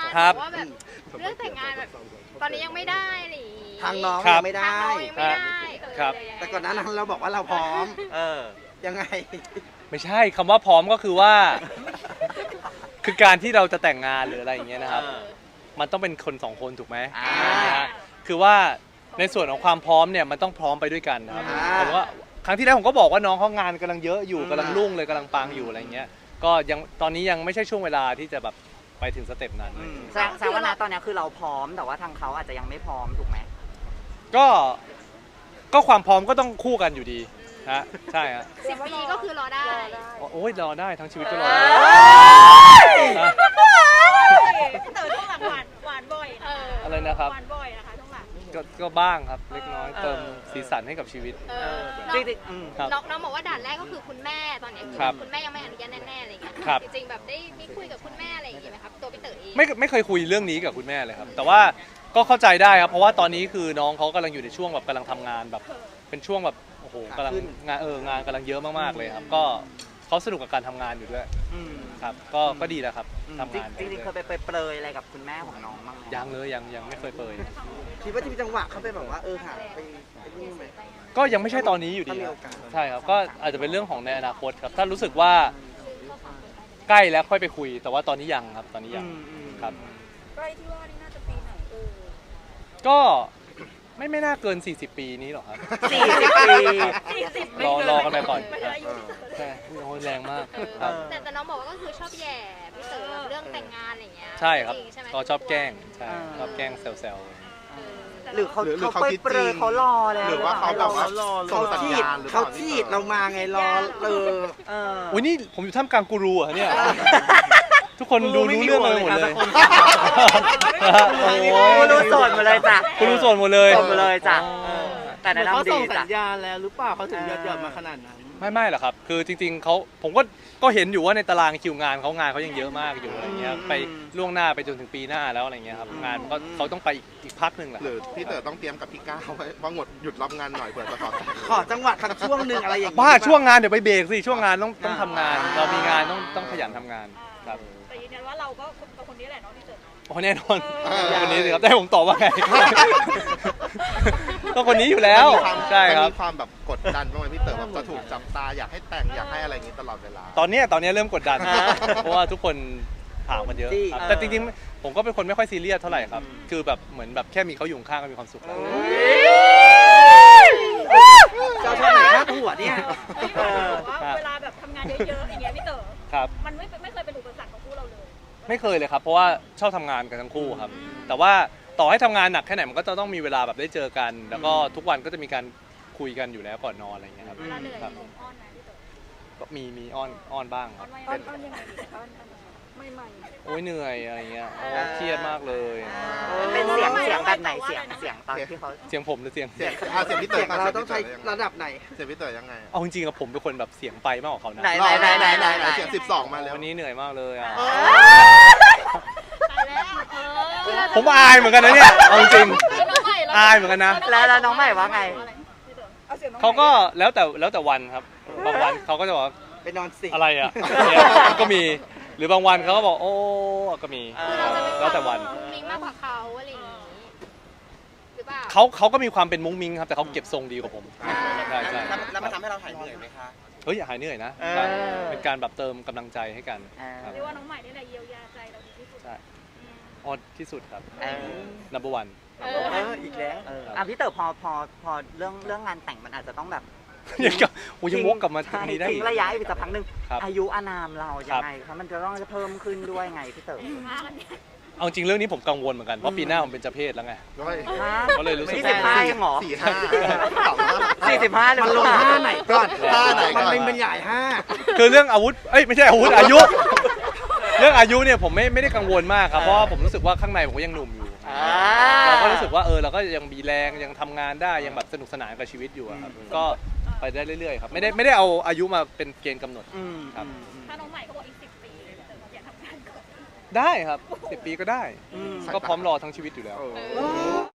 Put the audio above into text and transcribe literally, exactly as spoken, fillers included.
ครับว่าแบบเรื่องแต่งงานแบบตอนนี้ยังไม่ได้หรือทางน้องครับยังไม่ทางได้เรายังไม่ได้เออครับแต่ก่อนหน้านั้นเราบอกว่าเราพร้อมเออยังไงไม่ใช่คำว่าพร้อมก็คือว่า คือการที่เราจะแต่งงานหรืออะไรอย่างเงี้ยนะครับเออมันต้องเป็นคนสองคนถูกไหมอ่านะฮะคือว่าในส่วนของความพร้อมเนี่ยมันต้องพร้อมไปด้วยกันนะครับอ่าผมว่าครั้งที่แล้วผมก็บอกว่าน้องเขางานกำลังเยอะอยู่อืมกำลังรุ่งเลยกำลังปังอยู่อะไรเงี้ยก็ยังตอนนี้ยังไม่ใช่ช่วงเวลาที่จะแบบไปถึงสเต็ปนั้นอืมแสดงแสดงว่าณตอนเนี้ยคือเราพร้อมแต่ว่าทางเขาอาจจะยังไม่พร้อมถูกไหมก็ก็ความพร้อมก็ต้องคู่กันอยู่ดีฮะใช่ฮะสิบปีก็คือรอได้โอ้ยรอได้ทั้งชีวิตก็รอได้เออฮะเต๋อช่วงหลังหวานหวานบ่อยนะเอออะไรนะครับหวานบ่อยนะคะช่วงหลังก็ก็บ้างครับเล็กน้อยเติมสีสันให้กับชีวิตเอเอออน้จองริงๆอืมครับน้องน้องบอกว่าด่านแรกก็คือคุณแม่ตอนนี้คือครับคุณแม่ยังไม่อนุญาตแน่ๆอะไรอย่างเงี้ยครับจริงๆแบบได้มีคุยกับคุณแม่อะไรอย่างเงี้ยไหมครับตัวพี่เต๋อเองไม่ไม่เคยคุยเรื่องนี้กับคุณแม่เลยครับ แต่ว่าก็เข้าใจได้ครับเพราะว่าตอนนี้คือน้องเขากำลังอยู่ในช่วงแบบกำลังทำงานแบบเป็นช่วงแบบโอ้โหกำลังงานเอองานกำลังเยอะมากๆเลยครับ ก็เขาสนุกกับการทำงานอยู่ด้วยอืมครับ ก็ก็ดีแล้วครับทำงานจริงๆเคยไปเปรยๆอะไรกับคุณแม่ของน้องบ้างไหมยังเลยยังยังไม่เคยเปิดคิดว่าจะมีจังหวะเขาไปแบบว่าเออหาไปไปนี่ไหมก็ยังไม่ใช่ตอนนี้อยู่ดีถ้ามีคโอรับกาสใช่ครับก็อาจจะเป็นเรื่องของในอนาคตครับถ้ารู้สึกว่าใกล้แล้วค่อยไปคุย แต่ว่าตอนนี้ยังครับตอนนี้ยังอืมอืมครับใกล้ที่ว่านี่น่าจะปีไหนเออก็ไม่ไม่น่าเกิน สี่สิบ ปีนี้หรอกครับสี่สิบปีสี่สิบรอรอกันไปก่อนไม่ใช่อายุที่เต๋อใช่โอ้ยแรงมากเออครับแต่แต่น้องบอกว่าก็คือชอบแย่พี่เต๋อแบบเรื่องแต่งงานอะไรอย่างเงี้ยใช่ครับจงๆใช่ไหมก็ชอบแกล้งใช่อ่าชอบแกล้งแซวเออหรือเขาหรือหรือเขาเขาเปคิดรยจริงๆเขารอแล้วหรือว่าเขาแบบว่ารอส่เขางสัญฉีดญาณหรือเปเขาล่าฉีดเรามาไงรอเออเออๆอุ้ยนี่ผมอยู่ท่ามกลางกูรูเหรอะเนี่ย ทุกคนดูรู้เรื่องกันไปหมดเลย โอ้โหกูรู้โสดหมดเลยจ้ะกูรู้ส่วนหมดเลยโสดหมดเลยจ้ะเออแต่แนะเขานำดีส่งสัจ้ะญญาณแล้วหรือเปล่าเขาถึงยอดยอดมาขนาดนั้นไม่ไม่หรอกครับ คือจริงๆเขาผมก็ก็เห็นอยู่ว่าในตารางคิวงานเขางานเขายังเยอะมากอยู่อะไรเงี้ยอืมไปล่วงหน้าไปจนถึงปีหน้าแล้วอะไรเงี้ยครับงานมันก็เขาต้องไปอีกอีกพักหนึ่งแหละหรือพี่เต๋อต้องเตรียมกับพี่ก้าวไว้ว่าหมดหยุดรับงานหน่อยเผื่อจะขอแต่งขอจังหวะสักช่วงหนึ่งอะไรอย่างบ้าช่วงงานเดี๋ยวไปเบรกสิช่วงงานต้องต้องทำงาน เรามีงานต้องต้องขยันทำงานครับแต่ยืนยันว่าเราก็กับคนนี้แหละเน้องที่เต๋อโอ้แน่นอนคนนี้สิครับได้ผมตอบว่าไง ก็คนนี้อยู่แล้วมันมีความใช่ครับมันมีความแบบกดดันบ้างไหมพี่เต๋อแบบจะถูกจับตาอยากให้แต่งอยากให้อะไรอย่างนี้ตลอดเวลาตอนเนี้ยตอนเนี้ยเริ่มกดดันอ่าเพราะว่าทุกคนถามมันเยอะจี้ครับเออแต่จริงๆผมก็เป็นคนไม่ค่อยซีเรียสเท่าไหร่ครับ คือแบบเหมือนแบบแค่มีเขาอยู่ข้างก็มีความสุขแล้วเจ้าชอบไหนพาดหัวเนี่ยเออว่าเวลาแบบทำงานเยอะๆอย่างเงี้ยพี่เต๋อครับมันไม่ไม่เคยเป็นอุปสรรคของคู่เราเลยไม่เคยเลยครับ เพราะว่าชอบทำงานกันทั้งคู่ครับ แต่ว่าต่อให้ทำงานหนักแค่ไหนมันก็จะต้องมีเวลาแบบได้เจอกัน แล้วก็ทุกวันก็จะมีการคุยกันอยู่แล้วก่อนนอนอะไรอย่างเงี้ยครับเวลาเหนื่อยครับมีอ้อนไหมพี่เต๋อก็มีมีอ้อนอ้อนบ้างคอ้อรันบว่ายังไงอ้อนอ้อนยังไงดีอ้อนอ้อนไม่ไม่โอ้ยเหนื่อยอะไรเงี้ยโอ้เครียดมากเลยเป็นเสียงเสียงแบบไหนเสียงเสียงตอนที่เขาเสียงผมหรือเสียงเสียงอ่ะเสียงพี่เต๋เสีอยงเราต้องใช้ระดับไหนเสียงพี่เต๋อยังไงเอาจริงๆอะผมเป็นคนแบบเสียงไปมากกว่าเขานะไหนไหนไหนไหนไหนไหนเสียงสิบสองมาแล้ววันนี้เหนื่อยมากเลยอ่ะตายแล้วเออผมอายเหมือนกันนะเนี่ยเอาจริงน้องใหม่อายเหมือนกันนะแล้วแล้วน้องใหม่ว่าไงพี่เต๋อเอาเสียงน้องเขาก็แล้วแต่แล้วแต่วันครับบางวันเขาก็จะบอกว่าไปนอนสิอะไรอ่ะเนี่ยก็มีหรือบางวันเขาก็บอกโอ้ก็มีคือเราจะเป็นแล้วแต่วันมุ้งมิ้งมากกว่าเขาอะไรอย่างงี้หรือเปล่าเขาเขาก็มีความเป็นมุ้งมิ้งครับแต่เขาเก็บทรงดีกว่าผมใช่ใช่แล้วมันทำให้เราหายเหนื่อยไหมคะเฮ้ยอย่าหายเหนื่อยนะเออครับเป็นการแบบเติมกำลังใจให้กันเออครับเรียกว่าน้องใหม่นี่แหละเยียวยาใจเราดีที่สุดใช่อืมออดที่สุดครับเออ number one เออเอออีกแล้วเอออ่ะพี่เต๋อพอพอพอเรื่องเรื่องงานแต่งมันอาจจะต้องแบบยังกับโอ้ยังวกกลับมาตรใช่งนี้ได้ทิ้อีงกระยะอีกสักพักหนึ่งครับอายุอานามเราครัยับงไงครับมันจะต้องจะเพิ่มขึ้นด้วยไงพี่เต๋อเอาจริงเรื่องนี้ผมกังวลเหมือนกันเพราะปีหน้าผมเป็นเจ้าเพศแล้วไงด้วยฮะก็เลยรู้สึกสี่สิบห้ายังเหรอสี่ห้าสองห้าสี่สิบห้าเลยมันลงห้าไหนก่อนท่าไหนก่มัอน นเป็นบรรยายห้าคือเรื่องอาวุธเอ้ยไม่ใช่อาวุธอายุ เรื่องอายุเนี่ยผมไม่ไม่ได้กังวลมากครับเพราะว่าผมรู้สึกว่าข้างในผมก็ยังหนุ่มอยู่อ่าเราก็รู้สึกว่าเออเราก็ยังมีแรงยังทำงานได้ยังแบบสนุกสนานกับชีวิตอยู่อะครับก็ไปได้เรื่อยๆครับไม่ได้ไม่ได้เอาอายุมาเป็นเกณฑ์กำหนดอืมครับถ้าน้องใหม่เขาบอกอีกสิบปีเลยพี่เต๋ออยากทำงานก่อนได้ครับสิบปีก็ได้อืมก็พร้อมรอทั้งชีวิตอยู่แล้วโอ้เออ